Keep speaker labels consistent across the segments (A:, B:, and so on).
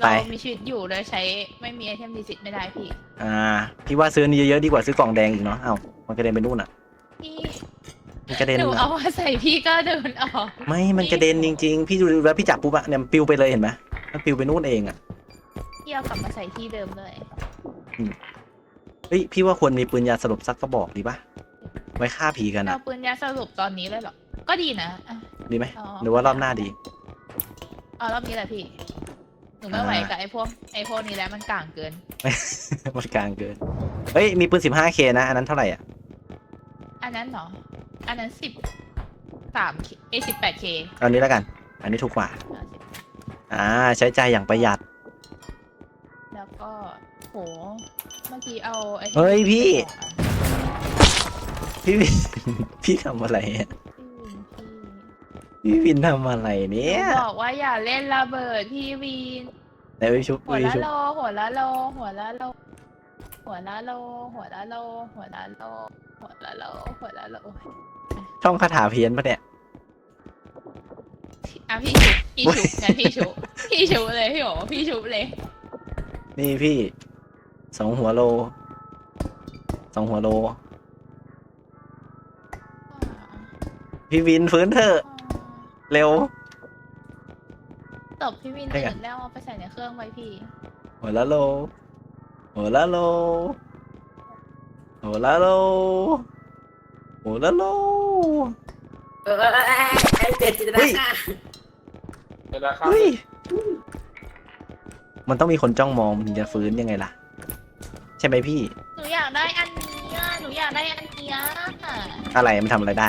A: ไป
B: เรามีชีวิตอยู่โดยใช้ไม่มีไอเทมดีสิทธิ์ไม่ได้พี่
A: พี่ว่าซื้อนี่เยอะๆดีกว่าซื้อกล่องแดงอีกเนาะเอ้ามันกระเด็นไปนู่นอ่ะ
B: พี่
A: มันกระเด็น
B: หนู
A: อะ
B: เอามาใส่พี่ก็เดินออก
A: ไม่มันกระเด็นจริงๆพี่ดูแล้วพี่จับปุ๊บอะเนี่ยมันปิวไปเลยเห็นไหมมันปิวไปนู่นเองอะ
B: พี่เอากลับมาใส่ที่เดิมเลย
A: เฮ้ยพี่ว่าควรมีปืนยาสลบสักกระบอกดีปะไว้ฆ่าผีกันอะ
B: เอาปืนยาสรุปตอนนี้เลยเหรอ ก็ดีนะอ่ะ
A: ดีไหม
B: อ๋อ
A: หรือว่ารอบหน้าดี
B: เอารอบนี้แหละพี่ หนูไม่ไหวกับไอ้พวกนี้แล้วมันก่างเกิน
A: มันกลางเกินเฮ้ยมีปืน 15K นะอันนั้นเท่าไหร่อ่ะ
B: อันนั้นเหรอ อันนั้น18K
A: เอานี้แล้วกัน อันนี้ถูกกว่าใช้ใจายอย่างประหยัด
B: แล้วก็โหเมื่อกี้เอาไอ้
A: เฮ้ยพี่ พี่วิน พี่ทำอะไรอะพี่วินทำอะไรเนี่
B: ห
A: ย
B: นูบอกว่าอย่าเล่นระเบิดพี่วีน
A: ไหนวิชุบ
B: หัว
A: วิ
B: ละ
A: ชุบ
B: โลหัวละโลหัวละโลหัวละโลหัวละโลหัวละโลหัวละโลหัวละโล
A: ช่องคาถาเพี้ยนปะเนี่ย
B: อ่ะพี่ชุบงั้นพี่ชุบเลยพี่โอพี่ชุบเลย
A: นี่พี่2 หัวโล2 หัวโล พี่วินฟื้นเถอะเร็ว
B: ตบพี่วิน
A: ได้ไง
B: ตื่นแล้วเอาไปใส่ในเครื่องไว้พี่
A: หัวละโลหัวละโลหัวละโลหัวละโล
C: เจ็ดจิตนาค่ะ
A: เฮ้ยมันต้องมีคนจ้องมองมันถึงจะฟื้นยังไงล่ะ ใช่ไหมพี่
B: หนูอยากได้อันนี้อ่ะหนูอยากได้อันเนี้ย
A: อะไรมันทำอะไรได้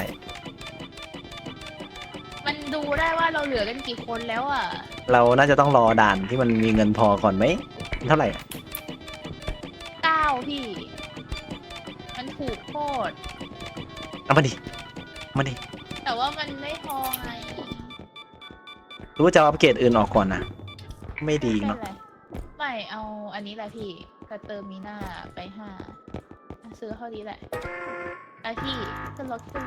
B: มันดูได้ว่าเราเหลือกันกี่คนแล้วอ่ะ
A: เราน่าจะต้องรอด่านที่มันมีเงินพอก่อนไหมเท่าไหร่อะ
B: 9พี่ มันถูกโคตร
A: เอามาดิมาดิ
B: แต่ว่ามันไม่พอไง
A: หรือว่าจะเอาอัปเกรดอื่นออกก่อนนะไม่ดี
B: ไม่
A: เนาะ
B: เป็นไรไม่เอาอันนี้แหละพี่กระเตอร์มีหน้าไป5ซื้อเท่านี้แหละไอพี่ขึ้นรถถือ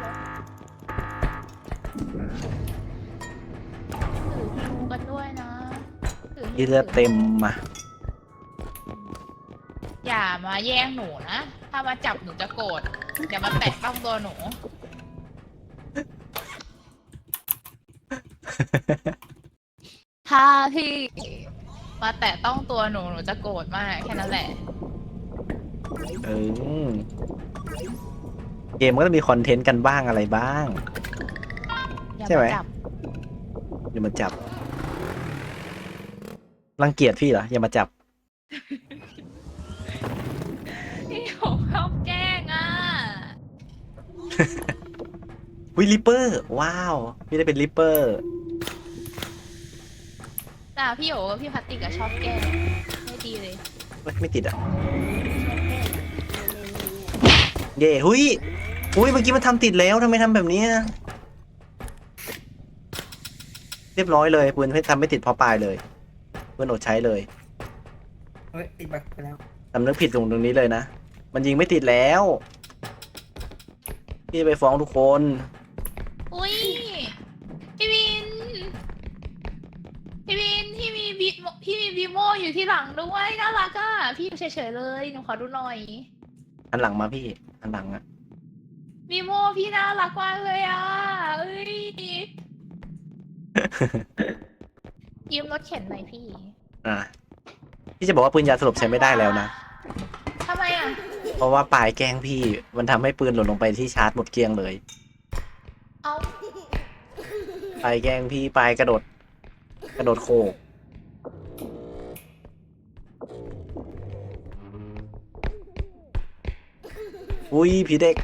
B: ฮิวกันด้วยนะถือฮิว
A: ที่เลือดเต็มมา
B: อย่ามาแย่งหนูนะ ถ้ามาจับหนูจะโกรธอย่ามาแตะต้องตัวหนู ถ้าพี่มาแตะต้องตัวหนูจะโกรธมากแค่นั้นแหละ
A: เออเกมก็ต้องมีคอนเทนต์กันบ้างอะไรบ้าง
B: อย่า
A: ใช่ไหม
B: มาจับ
A: อย่ามาจับ รังเกียจพี่เหรออย่ามาจับ
B: พี่ผมชอบแกล้งอ่ะ
A: วิลิปเปอร์ว้าวพี่ได้เป็นลิปเปอร์
B: แต่พี่โอ๋กับพี่พัตติกอะชอบแกล้งไม่ดีเลย
A: ไม่ติดอ่ะเย่หุยเมื่อกี้มันทำติดแล้วทำไมทำแบบนี้อะเรียบร้อยเลยปืนทำไม่ติดเพราะปลายเลยปืนอดใช้เลย
C: เฮ้ยติดบักไปแล้ว
A: สำนึกผิดตรงนี้เลยนะมันยิงไม่ติดแล้วพี่ไปฟ้องทุกคน
B: อุ้ยพี่วิน พี่มีบีโมอยู่ที่หลังด้วยน่ารักอ่ะพี่อยู่เฉยๆเลยหนูขอดูหน่อย
A: อันหลังมาพี่อันหลังอะ
B: บีโมพี่น่ารักมากเลยอ่ะเอ้ย ยืมรถเข็นหน่อยพี่
A: พี่จะบอกว่าปืนยาสลบใช้ไม่ได้แล้วนะ
B: ทำไมอ่ะ
A: เพราะว่าปลายแกล้งพี่มันทำให้ปืนหล่นลงไปที่ชาร์จหมดเกลี้ยงเลย
B: เอา
A: ปลายแกล้งพี่ปลายกระโดดโขกอุ้ยผีเด็ก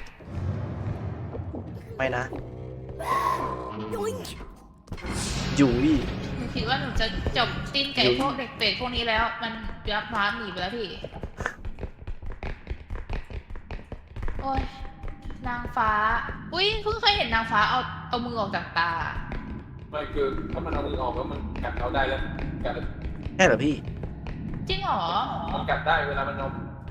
A: ไม่นะยุย
B: หนูคิดว่าหนูจะจบสิ้นไก่พวกเด็กเป็ดพวกนี้แล้ว มันยักษ์ม้าหนีไปแล้วพี่ โอ้ยนางฟ้า อุ้ยเพิ่งเคยเห็นนางฟ้าเอามือออกจากตา
D: ไม่คือถ้ามันเอามือออกแล้วมันกัดเราได้แล้วกัด
A: ใช่เหรอพี่
B: จริงเหรอ
D: มันกัดได้เวลามันเอา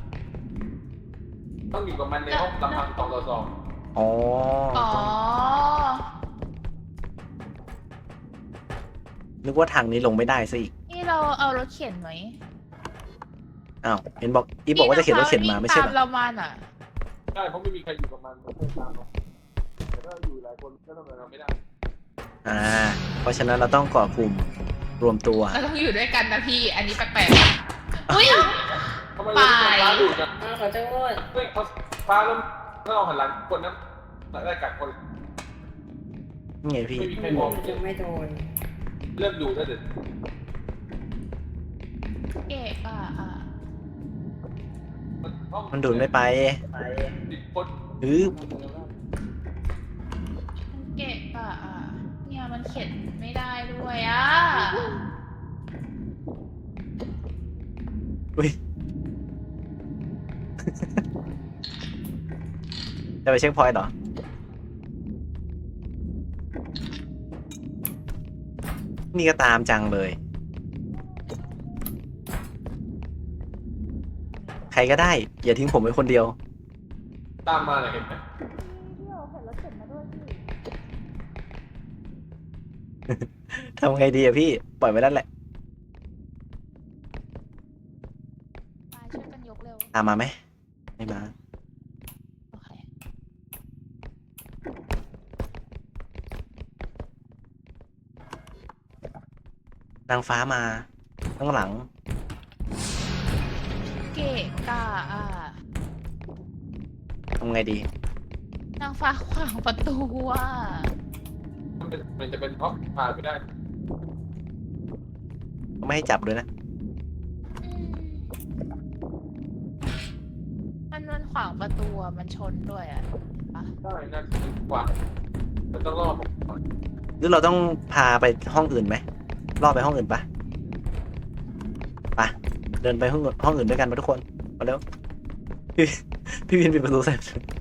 D: ต้องอยู่กับมันในห้องลำพัง2 ต่อ
A: อ๋อ
B: อ๋อ
A: นึกว่าทางนี้ลงไม่ได้ซะอีก
B: นี่พี่เราเอารถเข็นไหม
A: อ้าวเห็นบอกอีฟบอกว่าจะเข็นรถเข็นมาไม่ใช่เหร
B: ตาม
A: อ
B: เรามาน่ะ
D: ใช่เพราะไม่มีใครอยู่กับมันมันคงตามเราแต่ถ้าอยู่หลายคนก็ทำอะไรเราไม่ได้
A: เพราะฉะนั้นเราต้องเกาะกลุ่มรวมตัว
B: เราต้องอยู่ด้วยกันนะพี่ อันนี้แปลกๆอะอุ้ย
D: ทำไมเราไม่ฟ้าดูกัน
C: ขอโทษ
D: เฮ้ยเขาฟ้าแล้วถ้าเราหันหลังคนนั้นได้กัดคน
A: นี่ไงพี่
D: ไม่มีใครมอง
C: ไม่โดน
D: เริ่มดูได้เด็ด
B: เกะอ่ะ
A: มันดูดไม่ไป
D: 10 คน
B: เกะอ่ะเนี่ยมันเข็นไม่ได้ด้วยอ่ะ
A: อุ้ย จะไปเช็คพอยต์เหรอ นี่ก็ตามจังเลย ใครก็ได้ อย่าทิ้งผมไว้คนเดียว
D: ตามมาเลยเห็นไหม
B: พี่โอเข็นรถเข็นมาด้วยพี่
A: ทำไงดีอะพี่ ปล่อยไว้นั่นแหละ
B: มาช่วยกันยกเร็ว
A: ตามมาไหม ไม่มา
B: โอเค
A: นางฟ้ามาข้างหลัง
B: เกะอ่ะ
A: ทำไงดี
B: นางฟ้าขวางประตูอ่ะ
D: มันจะเป็นเพราะผ่านไม่ได้
A: ไม่ให้จับด้วยนะ
B: อืมมันขวางประตูอ่ะมันชนด้วยอ่ะปะ
D: ได้น่าจะเป็นกว่าแต่ต้องรอผมก่อน
A: หรือเราต้องพาไปห้องอื่นไหมล่อไปห้องอื่นปะไปเดินไปห้องอื่นด้วยกันมาทุกคน มาเร็ว พี่วินปิดประตูใส่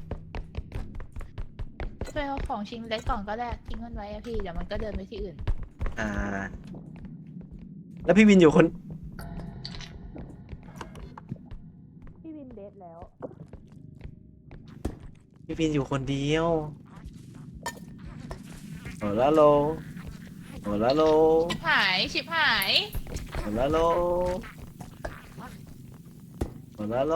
B: ไปเอาของชิ้นเล็กก่อนก็ได้ทิ้งมันไว้อะพี่เดี๋ยวมันก็เดินไปที่อื่น
A: แล้วพี่วินอยู่คน
B: พี่วินเดทแล้ว
A: พี่วินอยู่คนเดียวโอลาโลโอลาโล
B: ชิบหาย
A: โอลาโลโอลาโล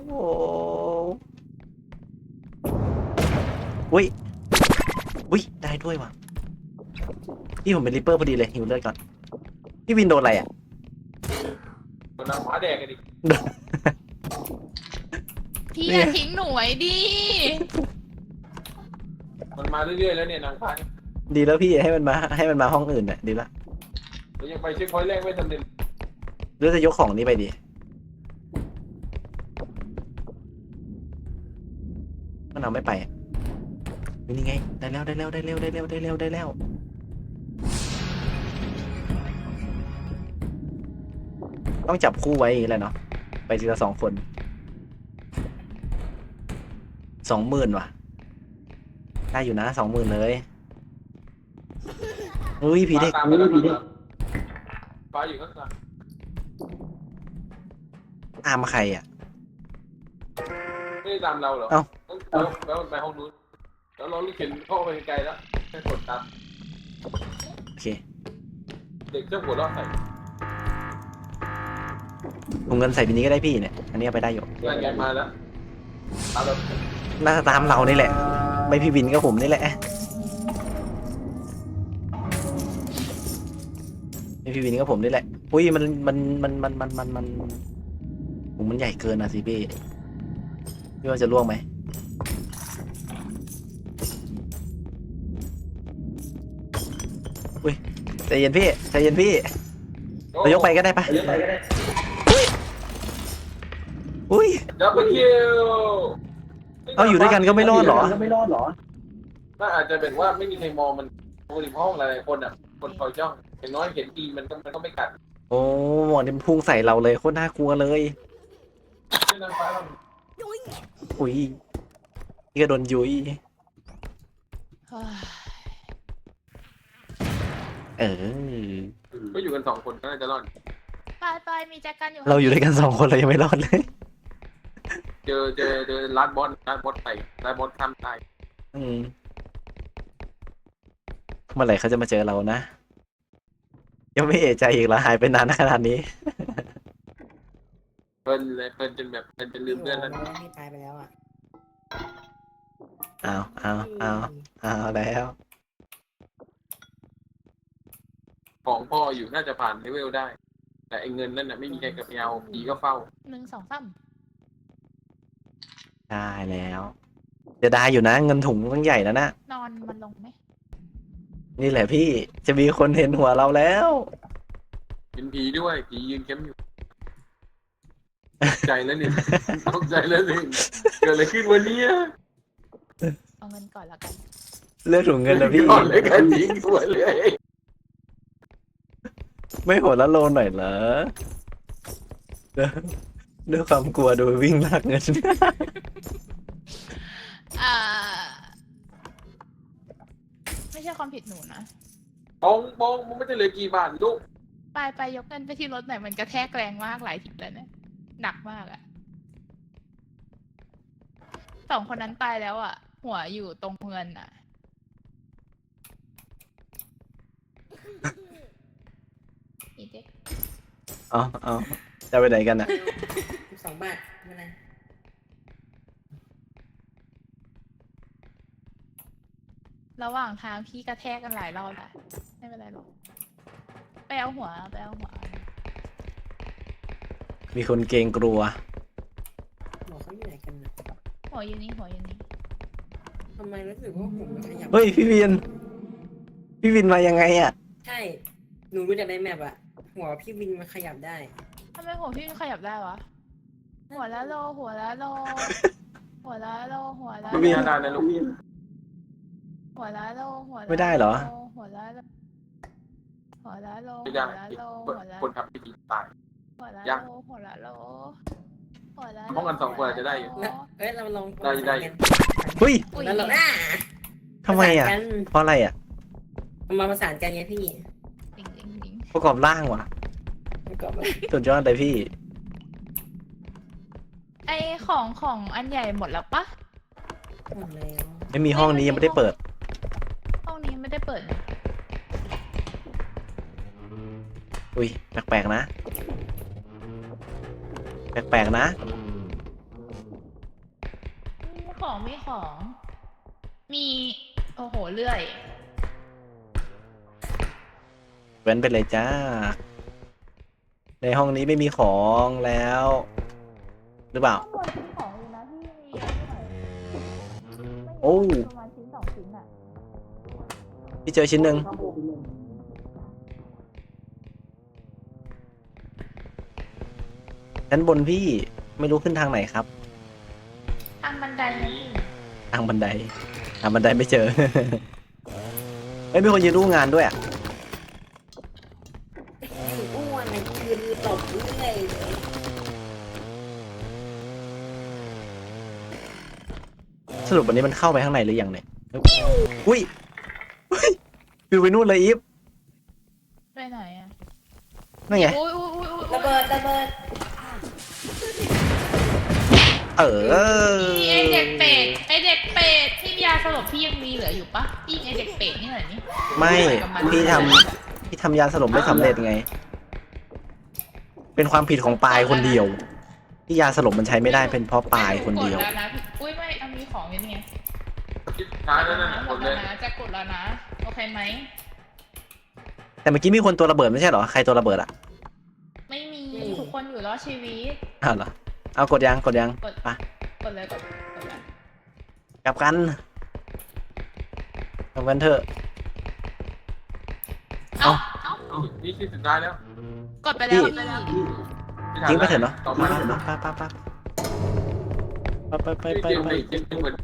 A: อุ้ยอุ้ยได้ด้วยว่ะพี่ผมเป็นริปเปอร์พอดีเลยหิวเลือดก่อนพี่วินโดนอะไรอ่ะ
D: มันนางฟ้าแดงกันดิ
B: พี่
A: เนี่
B: อย ย่าทิ้งหนูไว้ดิ
D: มันมาเรื่อยๆแล้วเนี่ยนางฟ้าเนี่ย
A: ดีแล้วพี่ให้มันมาห้องอื่นน่ะดีละ
D: เรายังไปเช็คพอยต์แรกไม่สำเร็จ
A: หรือจะยกของนี้ไปดีมันเอาไม่ไปอ่ะนี่ไงได้แล้วต้องจับคู่ไว้อย่างนี้แหละเนาะไปทีละ2 คน20,000ว่ะได้อยู่นะ20,000เลยอุ้ยผีเด็ก
D: ฟ้าตามไปแล้วฟ้าอยู่ข้างหลัง
A: ตามใครอ่ะ
D: ไม่ได้ตามเราเหรอ
A: เอ้า
D: แล้วมันไปห้องนู้นแล้วเราเข็นเข้าไปไกลแล้วแค่กดตาม
A: โอเค
D: เด็กเจ้าหัวเราะใส่
A: ถุงเงินใส่บินนี้ก็ได้พี่เนี่ยอันนี้เอาไปได้อยู่
D: งานแกมาแล้วตามเรา
A: น่าจะตามเรานี่แหละ ไม่พี่วินก็ผมนี่แหละไม่พี่วินก็ผมนี่แหละอุ้ยมันใหญ่เกินนะสิพี่ว่าจะล่วงไหมอุ้ยใจเย็นพี่เรายกไปก็ได้ปะอุ้ย
D: ดับเบิลคิว
A: เอาอยู่ด้วยกันก็ไม่รอดเหรอ
D: น่าอาจจะเป็นว่าไม่มีใครมองมันปกติห้องหลายๆคนอ่ะคนคอยจ้องอย่างน้อยเห็นตีมันก็ไม่กัด
A: โอ้หมอนี่มันพุ่งใส่เราเลยโคตรน่ากลัวเลย
D: ไม่นางฟ้าเรา
A: อุ้ยนี่ก็โดนยุย
B: เฮ้ย
A: เออ
D: ก็อยู่กัน2 คนก็น่าจะรอด
B: ไปมีแจ็คกันอยู่
A: เราอยู่ด้วยกัน2 คนเรายังไม่รอดเลย
D: เจอลาดบอสไปลาดบอสข้ามตาย
A: อืมเมื่อไหร่เขาจะมาเจอเรานะยังไม่เอะใจอีกเหรอหายไปนานขนาดนี้
D: เพลินเลยเพลินจนแบบเพลินจนลืมเพื่อนแล้ว
C: พี่ตายไปแล้วอ่ะ
A: เอาแล้ว
D: ของพ่ออยู่น่าจะผ่านเลเวลได้ แต่ไอ้เงินนั่นน่ะไม่มีใครกับเอาผีก็เฝ้า
B: 1 2 3
A: ได้แล้วจะได้อยู่นะเงินถุงตั้งใหญ่แล้วนะ
B: นอนมันลงไหม
A: นี่แหละพี่จะมีคนเห็นหัวเราแล้ว
D: เป็นผีด้วยผียืนเข้มอยู่ตกใจแล้วเนี่ยตกใจแล้วเนี่ยเกิดอะไรขึ้นวันนี้
B: เอาเงินก่อนละกัน
A: เลือกถุงเงินแล้วพี่
D: ก่อนเลยกันยิงหัวเลย
A: ไม่โหดละโลหน่อยเหรอด้วยความกลัวโดยวิ่งลากเงิน
B: อ่า ไม่ใช่ความผิดหนูนะ
D: บองมันไม่ได้เหลยกี่บาทลูก
B: ไปยกเงินไปที่รถหน่อยมันกระแทกแรงมากหลายทีแล้วเนี่ยหนักมากอะ2 คนนั้นตายแล้วอะหัวอยู่ตรงเงินอะอีเด็ก
A: เอาจะไปไหนกันอ่ะ
C: 2 บาทไม่เป็นไร
B: ระหว่างทางพี่กระแทกกันหลายรอบแหละไม่เป็นไรหรอกไปเอาหัว
A: มีคนเกรงกลัว
C: หมอเขาอยู่ไหนกันนะ
B: หัวอยู่นี่
C: ทำไมรู้สึกว่าผมมันขยับ
A: เฮ้ยพี่วินมายังไงอ่ะ
C: ใช่ หนูรู้จากในแมปอะหัวพี่วินมันขยับได้
B: ทำไมหัวพี่ขยับได้วะ หัวละโล หัวละโล หัวละโล หัวละ
D: ไม่
B: โล
D: มีอาการนะลูก
B: หัวละโล หัวละโล
A: ไม่ได้เหรอ
B: หัวละโล หัวละโล
D: ไม่ได้
B: หัวละโล
D: คนทำพิธีตาย
B: หัวละ
D: ยั
B: โล
D: ง
B: หัวละโลหัวละ
D: ป้องกัน2 คนอาจจะได้อยู่
C: นะเฮ้ยเราลอง
D: ได้
A: เฮ้ย
B: อุ้ย
C: แล้วเรา
A: ทำไมอ่ะ เพราะอะไรอ่ะ
C: มาประสานกันไงพี่
B: จริง
A: ประกอบร่างว่ะ
C: มันก็แบบ
A: สุดยอดเลยพี่
B: ไอของอันใหญ่หมดแล้วปะ
C: หมดแล้ว
A: ไม่มีห้องนี้ยังไม่ได้เปิด
B: ห้องนี้ไม่ได้เปิดนะ
A: อุ้ยแปลกๆนะ แปลกๆนะ
B: มีของ มีโอ้โหเลื่อย
A: เว้นไปเลยจ้า ในห้องนี้ไม่มีของแล้ว หรือเปล่า
B: ข้างบนมีของอยู่นะพี่มีเยอะด้วย
A: โอ้
B: ประมาณชิ้น2 ชิ้นอะ
A: พี่เจอชิ้นหนึ่งชั้นบนพี่ไม่รู้ขึ้นทางไหนครับ
B: ทางบันไดนะพี่
A: ทางบันไดไม่เจอ เฮ้ยมีคนยืนรู้งานด้วยอ่ะ
C: ไอ้อ้วนมันยืนตบเรื่อย
A: สรุปวันนี้มันเข้าไปข้างในหรือยังเนี่ยอุ้ยฟิวไปนู่นเลยอีฟ
B: ไปไหนอะ
A: นั่นไง
B: อุ้ย
C: ระเบิด
A: เออ
B: ไอเด็กเป็ดที่ยาสลบพี่ยังมีเหลืออยู่ปะพี่ไอเด็กเป็ดนี่เหรอนี่
A: ไม่พี่ทำยาสลบไม่สำเร็จไง เป็นความผิดของปายคนเดียว ที่ยาสลบมันใช้ไม่ได้เป็นเพราะปายคนเดียว
B: กดแล้วนะพี่อุ้ยไม่เอามีของอยู่นี่ไง
D: คิดช้าแล้วนั่น
B: ห
D: ห
B: ม
D: ม
B: ด
D: ดเล
B: แล้ว
D: ย
B: นะจะกดแล้วนะโอเคไหม
A: แต่เมื่อกี้มีคนตัวระเบิดไม่ใช่เหรอใครตัวระเบิดอ่ะ
B: ไม่มีทุกคนอยู่รอดชีวิต
A: อ้าวเหรอเอากดยัง
B: กด
A: ไป
B: กดเลยกดเลย
A: กลับกันกลับกันเถอะ
B: เอา
D: นี่คือสุดท้ายแล้ว
B: กดไปแล้วพี่
A: ทิ้งไปเถอะเนาะ
D: ต่อ
A: ไป
D: มา
A: เถอะเนาะไป
D: เกมเหมือน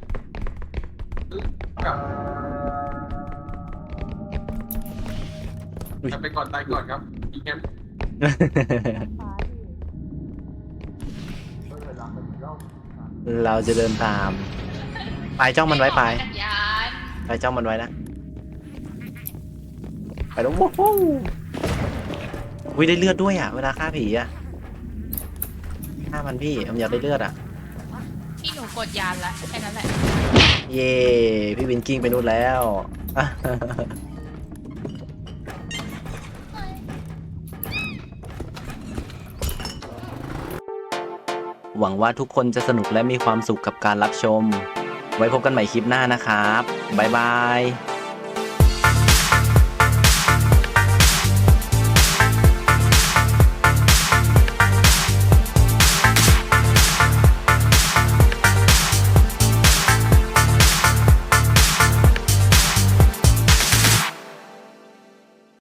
D: กับไปก่อนตายก่อนครับอีแคม
A: เราจะเดินตามไปจ้องมันไว้ไป
B: จักรยาน
A: ไปจ้องมันไว้นะไปแล้วโว้โหได้เลือดด้วยอ่ะเวลาฆ่าผีอ่ะฆ่ามันพี่มันอยากได้เลือดอ่ะ
B: พี่หนูกดยานละแค่นั้นแหละ
A: เย่พี่วินกิ้งไปนู่นแล้วหวังว่าทุกคนจะสนุกและมีความสุขกับการรับชม ไว้พบกันใหม่คลิปหน้านะครับ บ๊ายบาย